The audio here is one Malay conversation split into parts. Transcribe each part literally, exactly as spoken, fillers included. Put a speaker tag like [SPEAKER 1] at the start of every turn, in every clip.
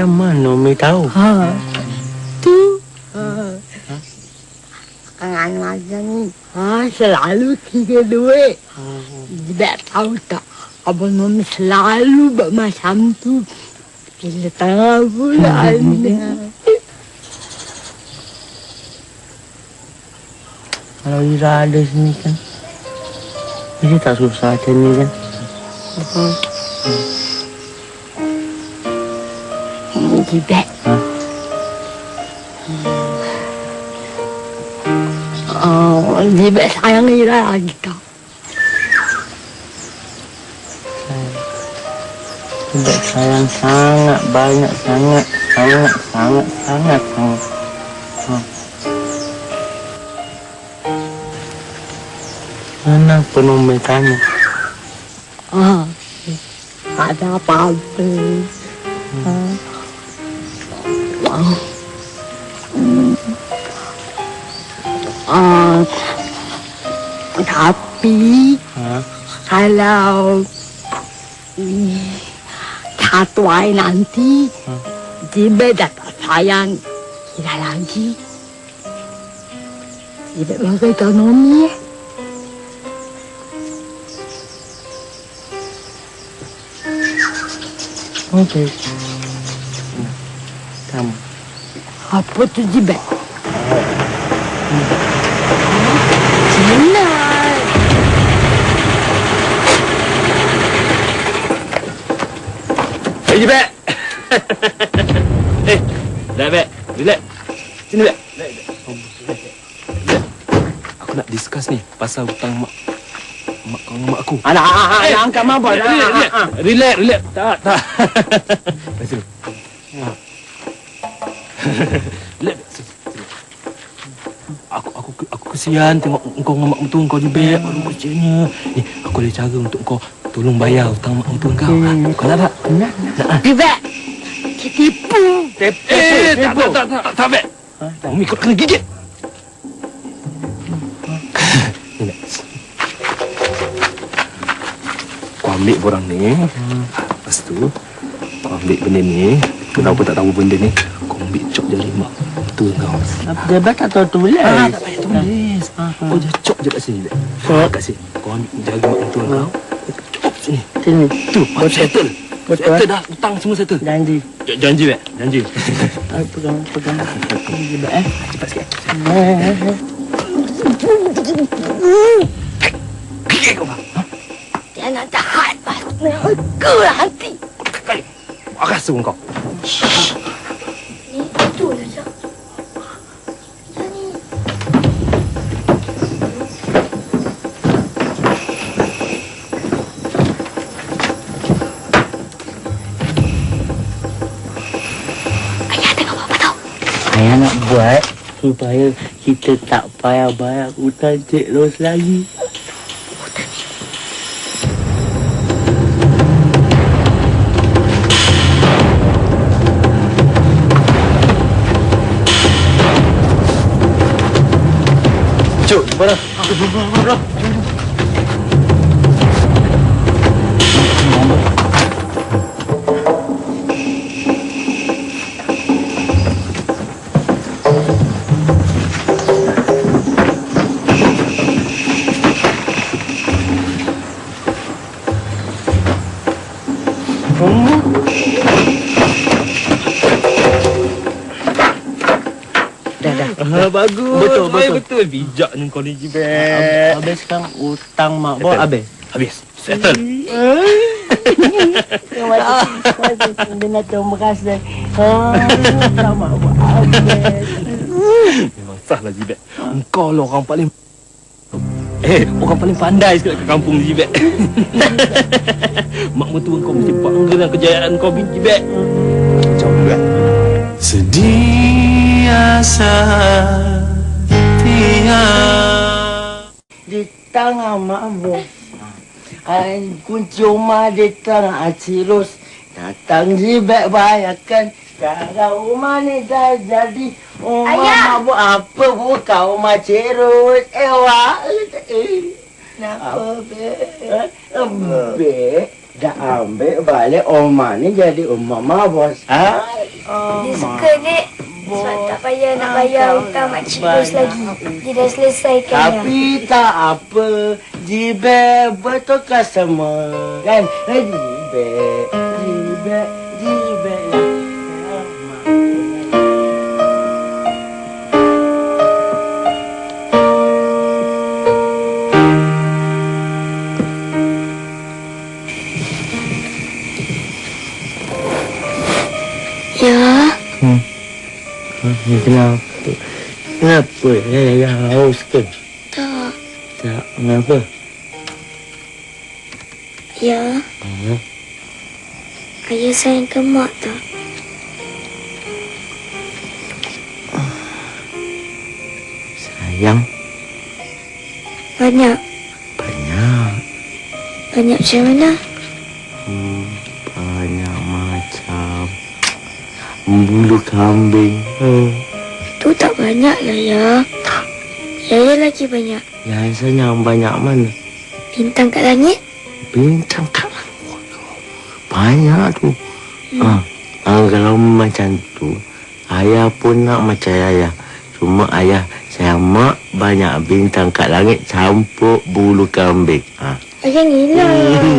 [SPEAKER 1] Macam mana Umi tahu?
[SPEAKER 2] Ha. Tu. Ha. Ha? Angan macam ni. Ha, selalu kira duit. Hmm. Tidak tahu tak. Abang Umi selalu buat macam tu. Bila tengah bulan.
[SPEAKER 1] Kalau Ira ada sini kan, dia tak susah macam ni kan.
[SPEAKER 2] Hmm. Hmm. Tidak.
[SPEAKER 1] Ha?
[SPEAKER 2] Oh, Jibet sayang Ira lagi tak?
[SPEAKER 1] Jibet sayang sangat banyak, sangat, sangat, sangat, sangat, sangat. Ha. Mana penuh tanya?
[SPEAKER 2] Ah, ada apa-apa. Hmm. Ah. Ah. Tapi
[SPEAKER 1] ha?
[SPEAKER 2] Kalau satu hari nanti ha? Jibet dah tak sayang Ira lagi. Jibet bakal ekonomi.
[SPEAKER 1] Okey. Kamu.
[SPEAKER 2] Apa tu Jibet? Jelas.
[SPEAKER 3] Hei Jibet. Eh, dah Bet. Relax. Sini Bet. Aku nak discuss ni pasal hutang mak mak kau dengan mak aku.
[SPEAKER 1] Anak, anak, anak angkat mabuk.
[SPEAKER 3] Relax, relax, relax. Tak, tak. Lepas tu. Relax. Aku aku aku kesian tengok engkau dengan mak mentua kau Jibet. Aduh kecilnya. Ni, aku ada cara untuk kau tolong bayar hutang mak mentua kau. Hmm. Kau nak tak?
[SPEAKER 2] Nak. Jibet. Tipu.
[SPEAKER 3] Tipu. Eh, tak, tak, tak, tak, tak, Bet. Umi kau kena gigit. Kau ambil borang ni. Lepas tu, kau ambil benda ni. Kenapa tak tahu benda ni? Kau ambil cop jari mak mentua kau.
[SPEAKER 1] Jibet tak tahu tulis.
[SPEAKER 3] Ah, tak payah tulis. Kau je cop je kat sini. Cop kat sini. Kau ambil jari mak mentua kau. Cop sini.
[SPEAKER 1] Sini.
[SPEAKER 3] Tu, settle. Settle dah. Hutang semua settle.
[SPEAKER 1] Janji.
[SPEAKER 3] Janji, Bet. Janji.
[SPEAKER 1] Pegang, pegang. Jibet, eh.
[SPEAKER 3] Cepat sikit. Gigit kau, Bang.
[SPEAKER 2] Dia nak jahat pasal aku nanti.
[SPEAKER 3] Kali. Aku rasa kau.
[SPEAKER 2] Ni betul saja.
[SPEAKER 1] Ayah nak buat supaya kita tak payah bayar hutang Cik Ros lagi.
[SPEAKER 3] Cuk, mana? Bro.
[SPEAKER 1] Dah, dah.
[SPEAKER 3] Ah, bagus.
[SPEAKER 1] Betul, betul.
[SPEAKER 3] Betul. Bijaknya kau ni, Jibet.
[SPEAKER 1] Habis kan hutang mak bos habis.
[SPEAKER 3] Habis. Settle.
[SPEAKER 1] Terima kasih. Dengan terima kasih. Hutang mak bos habis.
[SPEAKER 3] Memang sahlah, Jibet. Engkau lah orang paling... Eh, orang paling pandai sekali ke kampung ni, Jibet. Mak mentua kau mesti bangga dengan kejayaan kau, Jibet. Macam juga.
[SPEAKER 4] Sedia setia
[SPEAKER 1] Di tangan mak bos. Kunci rumah di tangan Cik Ros. Datang Jibet bayarkan. Sekarang rumah ni dah jadi rumah mak bos. Apa buka rumah Cik Ros? Eh, wak. Eh. Kenapa, Bek? Bek dah ambil balik rumah ni jadi rumah mak bos. Ha?
[SPEAKER 4] Dia suka, Dek. Sebab tak payah nak bayar hutang Makcik Ros lagi. Dia dah selesaikan dah.
[SPEAKER 1] Tapi tak apa, Jibek betulkan semua. Kan? Eh, Jibek, Jibek, Jibek lah.
[SPEAKER 4] Ya.
[SPEAKER 1] Hmm. Kenapa? Kenapa? Saya haus ke?
[SPEAKER 4] Tak.
[SPEAKER 1] Tak. Kenapa?
[SPEAKER 4] Ya.
[SPEAKER 1] Hmm.
[SPEAKER 4] Ayah sayangkan mak tak?
[SPEAKER 1] Sayang.
[SPEAKER 4] Banyak.
[SPEAKER 1] Banyak.
[SPEAKER 4] Banyak macam mana?
[SPEAKER 1] Hmm, banyak macam bulu kambing. Hmm.
[SPEAKER 4] Tu tak banyak lah, Ya. Yaya lagi banyak.
[SPEAKER 1] Yang yang banyak mana?
[SPEAKER 4] Bintang kat langit?
[SPEAKER 1] Bintang kat langit. Banyak tu.
[SPEAKER 4] Hmm.
[SPEAKER 1] Ha. Ha, kalau macam tu, ayah pun nak macam ayah. Cuma ayah sayang mak banyak bintang kat langit campur bulu kambing. Ha.
[SPEAKER 4] Ayah ngilang.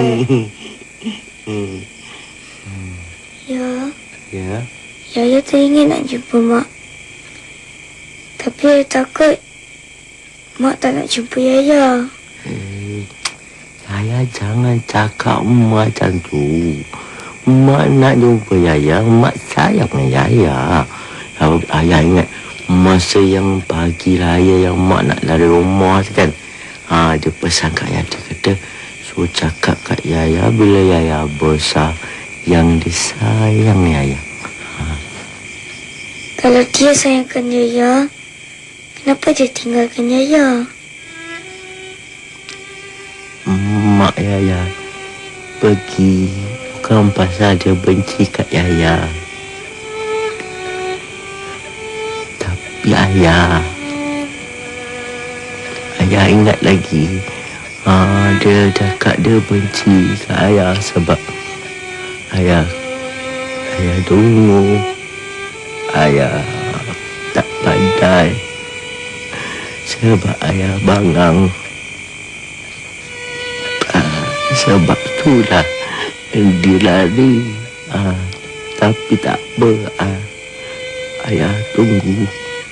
[SPEAKER 4] Ya.
[SPEAKER 1] Ya.
[SPEAKER 4] Yaya teringin nak jumpa mak. Tapi Yaya takut mak tak nak jumpa Yaya.
[SPEAKER 1] Eh, Yaya jangan cakap macam tu. Mak nak jumpa Yaya, mak sayang Yaya. Kalau ayah ingat masa yang pagi raya yang mak nak lari rumah tu kan. Ha, dia pesan kat Yaya, dia kata suruh cakap kat Yaya bila Yaya besar yang disayang Yaya.
[SPEAKER 4] Kalau dia sayangkan Yaya, kenapa dia tinggalkan Yaya?
[SPEAKER 1] Mak Yaya pergi bukan pasal dia benci kat Yaya. Tapi ayah, ayah ingat lagi, ha, dia cakap dia benci kat ayah sebab ayah, ayah dulu, ayah tak pandai. Sebab ayah bangang. Ah, sebab itulah dia lari. Ah, tapi tak apa. Ah, ayah tunggu.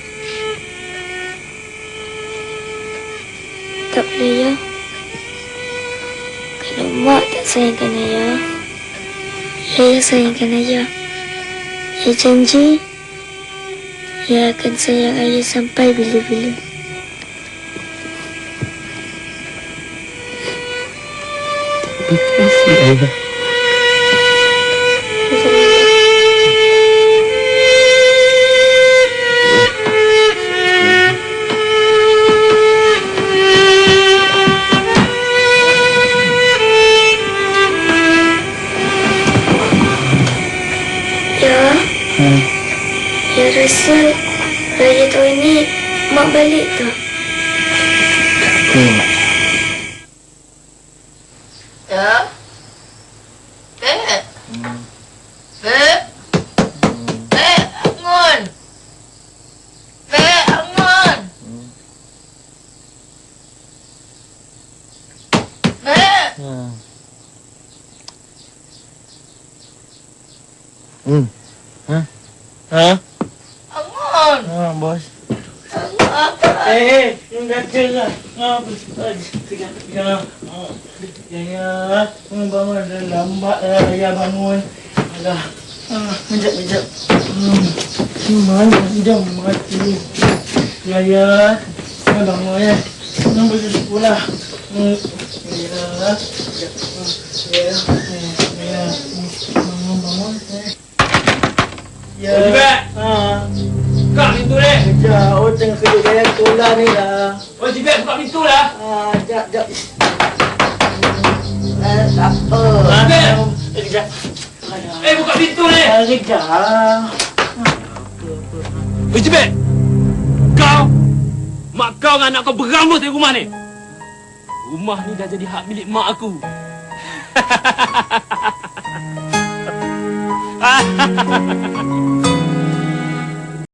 [SPEAKER 4] Tak boleh, Ya. Kalau mak tak sayangkan Ayah, Yaya sayangkan Ayah. Yaya janji Yaya akan sayang Ayah sampai bila-bila.
[SPEAKER 1] Terima kasih, ayah.
[SPEAKER 4] Ya,
[SPEAKER 1] Hmm.
[SPEAKER 4] Ya rasa raya tahun ni mak balik tak?
[SPEAKER 1] Hmm.
[SPEAKER 5] Ya. Beb. Beb. Beb, bangun. Beb, bangun. Beb.
[SPEAKER 1] Hmm. Hmm. Hah? Hah?
[SPEAKER 5] Bangun.
[SPEAKER 1] Ha, bos.
[SPEAKER 5] Apa?
[SPEAKER 1] Eh, eh, dah tengah. Apa? Tengah, tengah. Ya, ya. Bangun, dah lambat dah. Ya, bangun. Alah. Ah, kejap, kejap. Hmm. Mana dia mati. Ya, ya. Ya, bangun ya. Nak pergi sekolah. Hmm. Ya, ya. Ya, ya. Bangun, bangun. Ya.
[SPEAKER 3] Oh, Jibek.
[SPEAKER 1] Ha.
[SPEAKER 3] Buka pintu ni.
[SPEAKER 1] Kejap, oh tengah kerja gaya sekolah ni lah.
[SPEAKER 3] Oh, Jibek, buka pintu lah.
[SPEAKER 1] Ah, jap, jap. Eh, tak apa.
[SPEAKER 3] Jibek.
[SPEAKER 1] Eh, kejap.
[SPEAKER 3] Eh, buka pintu ni.
[SPEAKER 1] Ah, kejap.
[SPEAKER 3] Oh, Jibek. Kau, mak kau dengan anak kau berambus di rumah ni. Rumah ni dah jadi hak milik mak aku.